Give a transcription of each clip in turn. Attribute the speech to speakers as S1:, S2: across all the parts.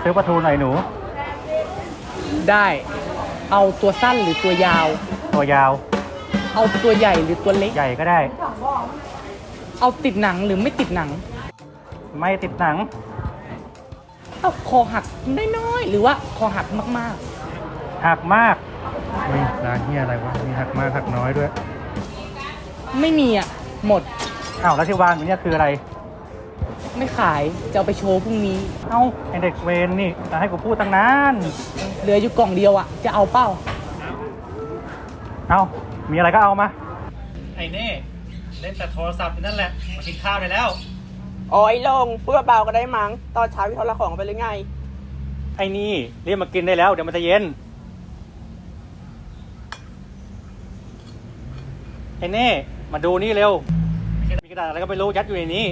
S1: ซื้อปลาทูหน่อยหนู
S2: ได้เอาตัวสั้นหรือตัวยาว
S1: ตัวยาว
S2: เอาตัวใหญ่หรือตัวเล็ก
S1: ใหญ่ก็ได้
S2: เอาติดหนังหรือไม่ติดหนัง
S1: ไม่ติดหนัง
S2: เอาคอหักน้อยๆหรือว่าคอหักมาก
S1: หักมากนี่ร้านนี้อะไรวะมีหักมากหักน้อยด้วย
S2: ๆไม่มีอ่ะหมด
S1: อ้าวแล้วที่วางอยู่เนี่ยคืออะไร
S2: ไม่ขายจะเอาไปโชว์พรุ่งนี้
S1: เอ้าไอเด็กเวรนี่จะให้กูพูดตั้งนาน
S2: เหลืออยู่กล่องเดียวอ่ะจะเอาเป้า
S1: เอ้ามีอะไรก็เอามาไอ้เน่เล่นแต่โทรศัพท์นั่นแหละมากินข้าวได้แล้ว
S3: โอ้ยลงพูดเบาๆก็ได้มั้งตอนเช้าพี่ทรของไปหรือไง
S1: ไอ้นี่เรียกมากินได้แล้วเดี๋ยวมันจะเย็นไอ้เน่มาดูนี่เร็วมีกระดาษอะไรก็ไม่รู้ยัดอยู่ในนี้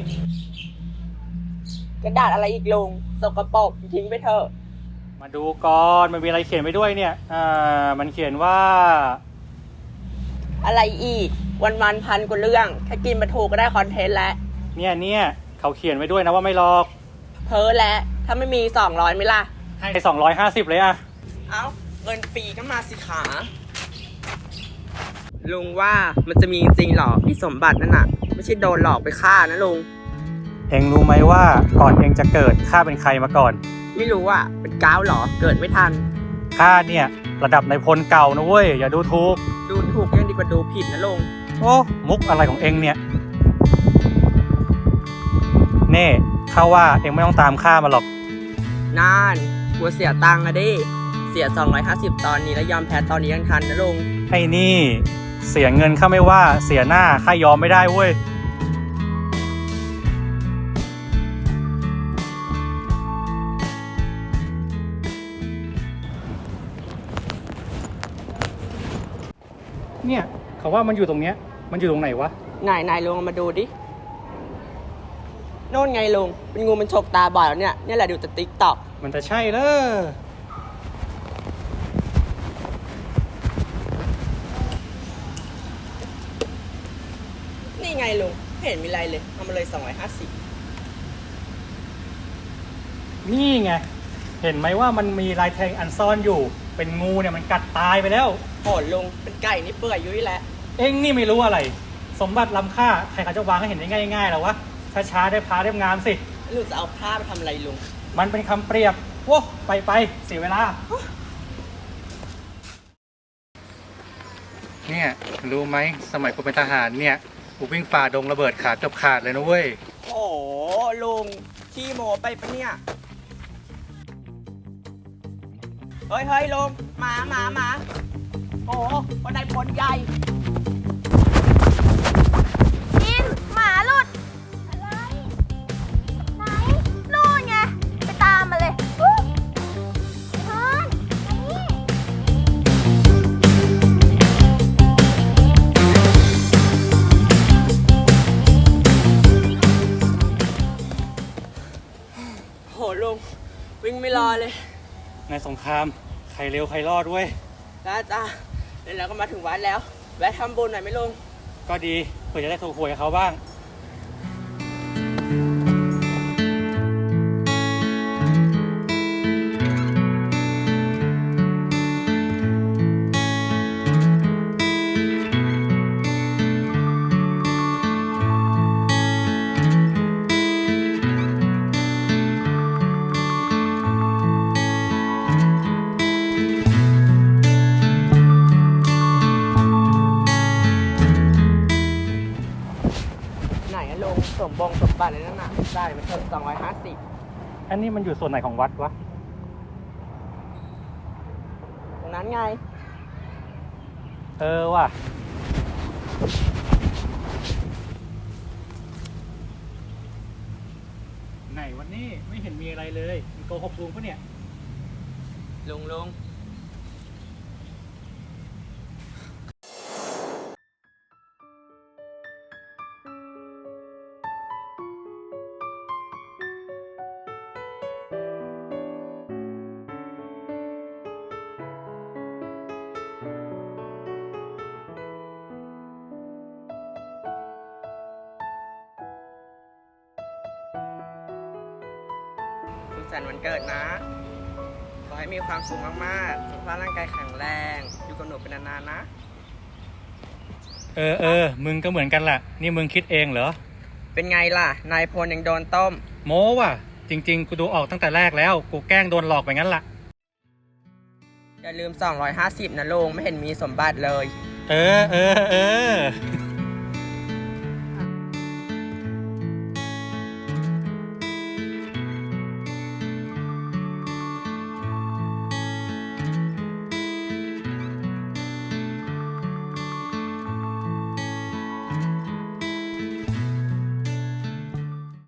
S3: กระดาษอะไรอีกลงสกปรกทิ้งไปเถอะ
S1: มาดูก่อนมันมีอะไรเขียนไว้ด้วยเนี่ยมันเขียนว่า
S3: อะไรอีกวันๆพันกว่าเรื่องแค่กินมาถูกก็ได้คอนเทนต์แล้ว
S1: เนี่ยเขาเขียนไว้ด้วยนะว่าไม่หลอก
S3: เพ้อแล้วถ้าไม่มี200ไหมล่ะ
S1: ให้250เลยอะ
S3: เอ้าเงินฟรีก็มาสิขาลุงว่ามันจะมีจริงหรอพี่สมบัตินั่นน่ะไม่ใช่โดนหลอกไปฆ่านะลุง
S1: เอ็งรู้ไหมว่าก่อนเอ็งจะเกิดข้าเป็นใครมาก่อน
S3: ไม่รู้อ่ะเป็นก้าวหรอเกิดไม่ทัน
S1: ข้าเนี่ยระดับนายพลเก่านะเว้ยอย่าดูถูก
S3: ยังดีกว่าดูผิดนะลุง
S1: โอ้มุกอะไรของเอ็งเนี่ยเน่ข้าว่าเอ็งไม่ต้องตามข้ามาหรอก
S3: น่านกลัวเสียตังค์อะดิเสีย250ตอนนี้แล้วยอมแพ้ตอนนี้ยังทันนะลุง
S1: ไอ้นี่เสียเงินข้าไม่ว่าเสียหน้าข้ายอมไม่ได้เว้ยเนี่ยเขาว่ามันอยู่ตรงเนี้ยมันอยู่ตรงไหนวะ
S3: นายลุงมาดูดิโน่นไงลุงเป็นงูมันฉกตาบ่อยแล้วเนี่ยแหละดูแต่ติ๊กต็อก
S1: มันจะใช่เลย
S3: นี่ไงลุงไม่เห็นมีอะไรเลยเอามาเลย250
S1: นี่ไงเห็นไหมว่ามันมีลายแทงอันซ่อนอยู่เป็นงูเนี่ยมันกัดตายไปแล้ว
S3: โหดลุงเป็นไก่นี่เปื่อยยุ่ยแล้ว
S1: เอ็งนี่ไม่รู้อะไรสมบัติล้ำค่าใครเขาจะวางให้เห็นได้ง่ายๆหรอวะช้าๆได้พาได้งามสิ
S3: ลุงจะเอาผ้าไปทำอะไรลุง
S1: มันเป็นคำเปรียบโว้ไปเสียเวลาเนี่ยรู้ไหมสมัยกูเป็นทหารเนี่ยกูวิ่งฝ่าดงระเบิดขาเกือบขาดเลยนะเว้ย
S3: โอ้ลุงขี้โมไปปะเนี่ยเฮ้ยลุงหมาโอ้วันไหนผลใหญ่
S4: กินหมาหลุดอะไรไหนนู่นไงไปตามมาเลยเฮ้ย
S3: โหลุงวิ่งไม่รอเลย
S1: ในสงครามใครเร็วใครรอดเว้ย
S3: จ้าแล้วก็มาถึงวัดแล้วแวะทำบุญหน่อยไหมลุง
S1: ก็ดีเพื่อจะได้ถูกหวยกับเขาบ้าง
S3: สมบัติเลยนั่นน่ะได้มันเท่า250
S1: อันนี้มันอยู่ส่วนไหนของวัดวะ
S3: ตรงนั้นไง
S1: ว่ะไหนวันนี้ไม่เห็นมีอะไรเลยมันโกหกลุงปะเนี่ย
S3: ลุงสันต์วันเกิดนะ ขอให้มีความสุขมากๆ สุขภาพร่างกายแข็งแรง อยู่กับหนูเป็นนานๆนะ
S1: มึงก็เหมือนกันแหละนี่มึงคิดเองเหรอ
S3: เป็นไงล่ะ นายพลยังโดนต้ม
S1: โม้ว่ะ จริงๆ กูดูออกตั้งแต่แรกแล้ว กูแกล้งโดนหลอกไปงั้นล่ะ
S3: อย่าลืม 250 นะลุง ไม่เห็นมีสมบัติเลย
S1: เออ